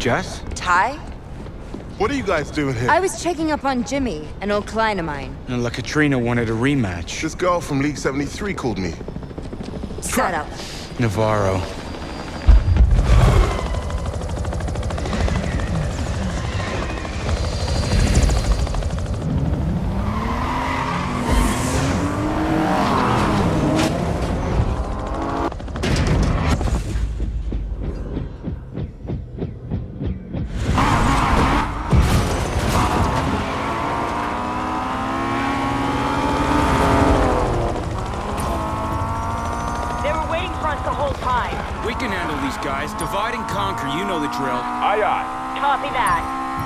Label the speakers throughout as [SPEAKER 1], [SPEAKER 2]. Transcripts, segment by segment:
[SPEAKER 1] Jess?
[SPEAKER 2] Ty?
[SPEAKER 3] What are you guys doing here?
[SPEAKER 2] I was checking up on Jimmy, an old client of mine.
[SPEAKER 1] And La Katrina wanted a rematch.
[SPEAKER 3] This girl from League 73 called me.
[SPEAKER 2] Set up.
[SPEAKER 1] Navarro.
[SPEAKER 4] Divide and conquer, you know the drill.
[SPEAKER 5] Aye, aye.
[SPEAKER 6] Copy that.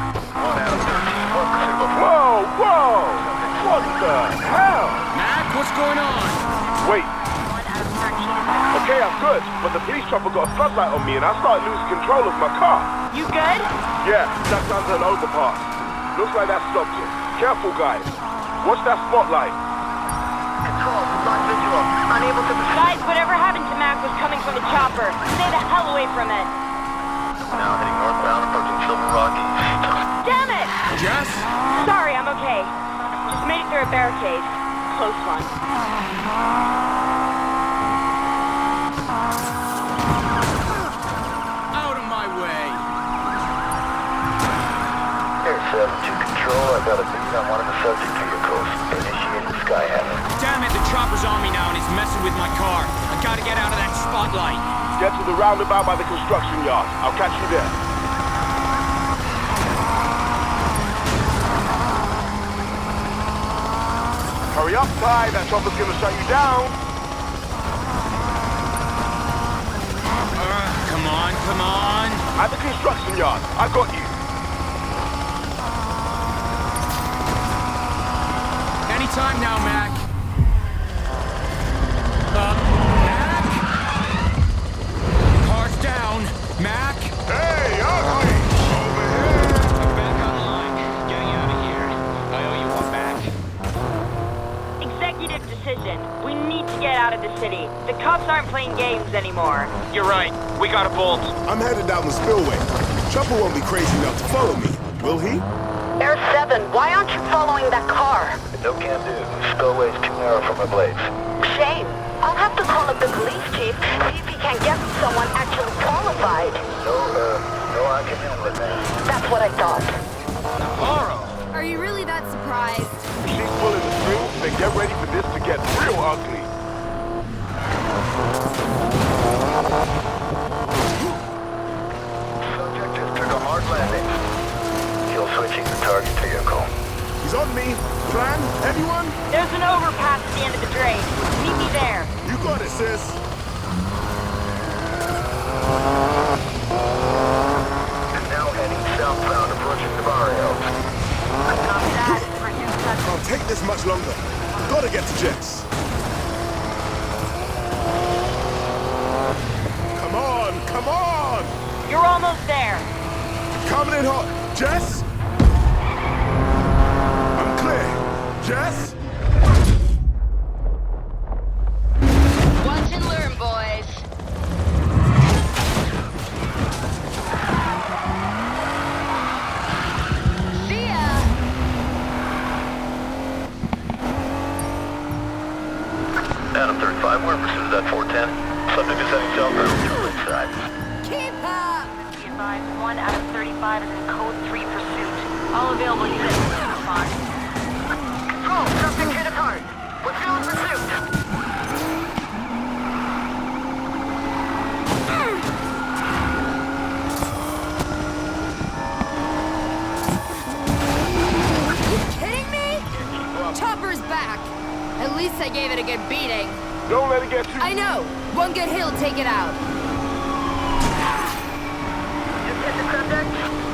[SPEAKER 5] Whoa, whoa! What the hell?
[SPEAKER 4] Mac, what's going on?
[SPEAKER 5] Wait. Okay, I'm good, but the police chopper got a floodlight on me and I started losing control of my car.
[SPEAKER 6] You good?
[SPEAKER 5] Yeah, ducked under an overpass. Looks like that stopped it. Careful, guys. Watch that spotlight.
[SPEAKER 7] Control, lost visual. Unable to...
[SPEAKER 6] Guys, whatever happened to Mac was coming from the chopper. Stay the hell away from it.
[SPEAKER 7] Now heading northbound, approaching Silver Rock East.
[SPEAKER 6] Damn it!
[SPEAKER 4] Jess?
[SPEAKER 6] Sorry, I'm okay. Just made it through a barricade. Close one.
[SPEAKER 4] Out of my way!
[SPEAKER 7] Air 7 to Control, I got a lead on one of the subject vehicles. Initiating Skyhammer.
[SPEAKER 4] Damn it, the chopper's on me now and it's messing with my car. I gotta get out of that spotlight.
[SPEAKER 5] Get to the roundabout by the construction yard. I'll catch you there. Hurry up, Ty. That chopper's gonna shut you down.
[SPEAKER 4] Come on, come on.
[SPEAKER 5] At the construction yard. I got you.
[SPEAKER 4] Anytime now, Mac. Mac? Car's down. Mac?
[SPEAKER 5] Hey, ugly! Over here!
[SPEAKER 8] I'm back online. Getting out of here. I owe you one back.
[SPEAKER 6] Executive decision. We need to get out of the city. The cops aren't playing games anymore.
[SPEAKER 8] You're right. We got a bolt.
[SPEAKER 3] I'm headed down the spillway. Chopper won't be crazy enough to follow me, will he?
[SPEAKER 7] Air 7, why aren't you following that car? No can do. Spillway's too narrow for my blades. Shame. I'll have to call up the police chief, see if he can get someone actually qualified. No, I can handle it, man. That's what I thought.
[SPEAKER 5] Navarro!
[SPEAKER 2] Are you really that surprised?
[SPEAKER 5] She's pulling the strings, then get ready for this to get real ugly.
[SPEAKER 7] Subject just took a hard landing. Kill switching the target vehicle.
[SPEAKER 3] He's on me. Plan? Anyone?
[SPEAKER 6] There's an overpass at the end of the drain. Meet me there.
[SPEAKER 3] You got it, sis.
[SPEAKER 7] And now heading southbound, approaching the barrio.
[SPEAKER 6] Copy that.
[SPEAKER 3] Can't take this much longer. Gotta get to Jess. Come on, come on!
[SPEAKER 6] You're almost there.
[SPEAKER 3] Coming in hot. Jess? I'm clear. Jess?
[SPEAKER 2] Watch and learn, boys. See ya!
[SPEAKER 7] Adam 35, we're in pursuit of that 410. Subject is heading southbound, inside.
[SPEAKER 2] Keep up!
[SPEAKER 6] Be advised, 1 out of 35 is in code 3 pursuit. All available units respond.
[SPEAKER 7] Control, subject hit apart. We're still in pursuit.
[SPEAKER 2] You kidding me? Chopper's back. At least I gave it a good beating.
[SPEAKER 5] Don't let it get you.
[SPEAKER 2] I know. One good hit will take it out.
[SPEAKER 7] Just hit the subject.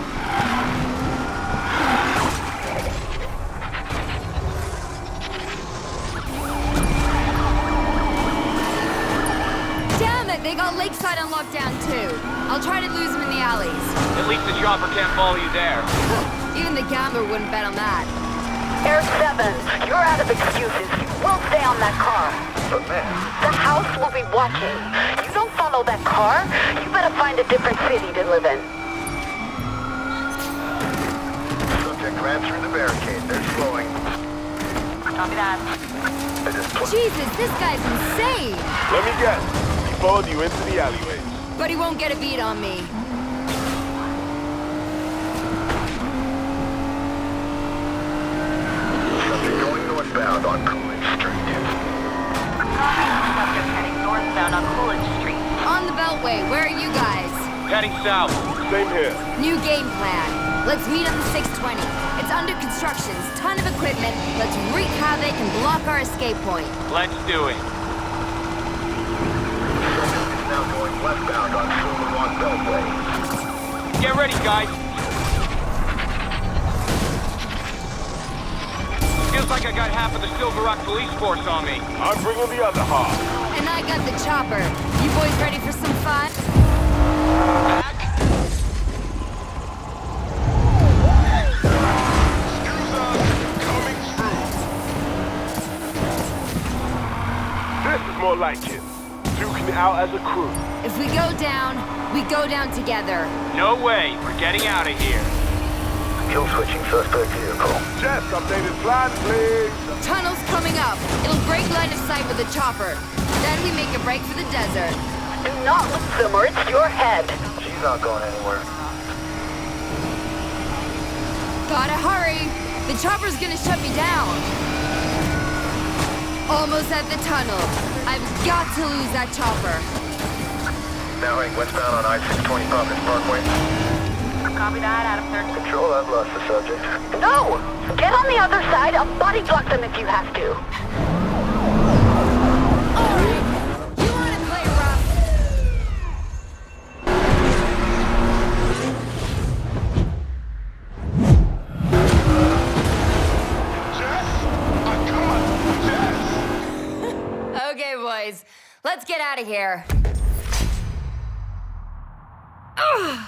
[SPEAKER 2] Damn it! They got Lakeside on lockdown too. I'll try to lose them in the alleys.
[SPEAKER 8] At least the chopper can't follow you there.
[SPEAKER 2] Even the gambler wouldn't bet on that.
[SPEAKER 7] Air 7, you're out of excuses. You will stay on that car. But man, the house will be watching. You don't follow that car, you better find a different city to live in.
[SPEAKER 5] ran through the barricade. They're slowing.
[SPEAKER 6] Copy that.
[SPEAKER 2] Jesus, this guy's insane!
[SPEAKER 5] Let me guess. He followed you into the alleyways.
[SPEAKER 2] But he won't get a beat on me.
[SPEAKER 5] Subject going northbound on Coolidge Street.
[SPEAKER 6] Subject heading northbound on Coolidge Street.
[SPEAKER 2] On the Beltway, where are you guys?
[SPEAKER 4] Heading south.
[SPEAKER 5] Same here.
[SPEAKER 2] New game plan. Let's meet on the 620. It's under construction, ton of equipment. Let's wreak havoc and block our escape point.
[SPEAKER 4] Let's do it.
[SPEAKER 5] Subject is now going westbound on Silver Rock Beltway.
[SPEAKER 4] Get ready, guys. Feels like I got half of the Silver Rock police force on me.
[SPEAKER 5] I'm bringing the other half.
[SPEAKER 2] And I got the chopper. You boys ready for some fun?
[SPEAKER 5] This is more like it. Duking it out as a crew.
[SPEAKER 2] If we go down together.
[SPEAKER 4] No way. We're getting out of here.
[SPEAKER 5] Kill switching suspect vehicle. Jess, updated plan, please.
[SPEAKER 2] Tunnel's coming up. It'll break line of sight with the chopper. Then we make a break for the desert.
[SPEAKER 7] Do not lose them or it's your head.
[SPEAKER 5] She's not going anywhere.
[SPEAKER 2] Gotta hurry. The chopper's gonna shut me down. Almost at the tunnel. I've got to lose that chopper.
[SPEAKER 5] Now heading westbound on I-620 Providence Parkway.
[SPEAKER 6] Copy that, Adam 13.
[SPEAKER 5] Control, I've lost the subject.
[SPEAKER 7] No! Get on the other side. I'll body block them if you have to.
[SPEAKER 2] Alright. You wanna play rough? Okay, boys. Let's get out of here. Ugh.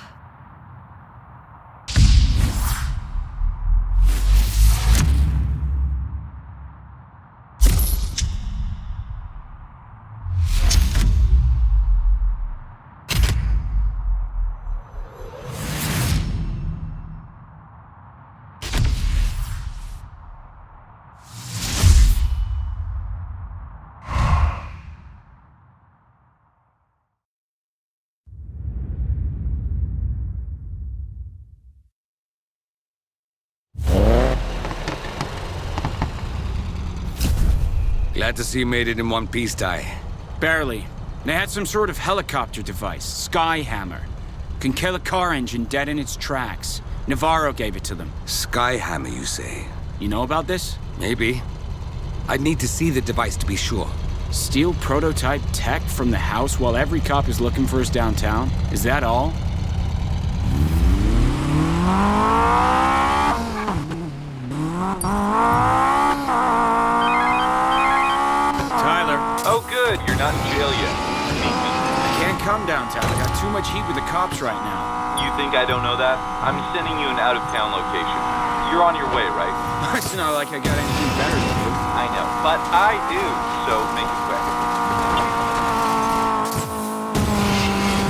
[SPEAKER 9] Glad to see you made it in one piece, Ty.
[SPEAKER 1] Barely. They had some sort of helicopter device, Skyhammer. Can kill a car engine dead in its tracks. Navarro gave it to them.
[SPEAKER 9] Skyhammer, you say?
[SPEAKER 1] You know about this?
[SPEAKER 9] Maybe. I'd need to see the device to be sure.
[SPEAKER 1] Steal prototype tech from the house while every cop is looking for us downtown? Is that all? Tyler.
[SPEAKER 8] Oh, good. You're not in jail yet.
[SPEAKER 1] I can't come downtown. I got too much heat with the cops right now.
[SPEAKER 8] You think I don't know that? I'm sending you an out-of-town location. You're on your way, right?
[SPEAKER 1] It's not like I got anything better to do.
[SPEAKER 8] I know, but I do, so make it quick.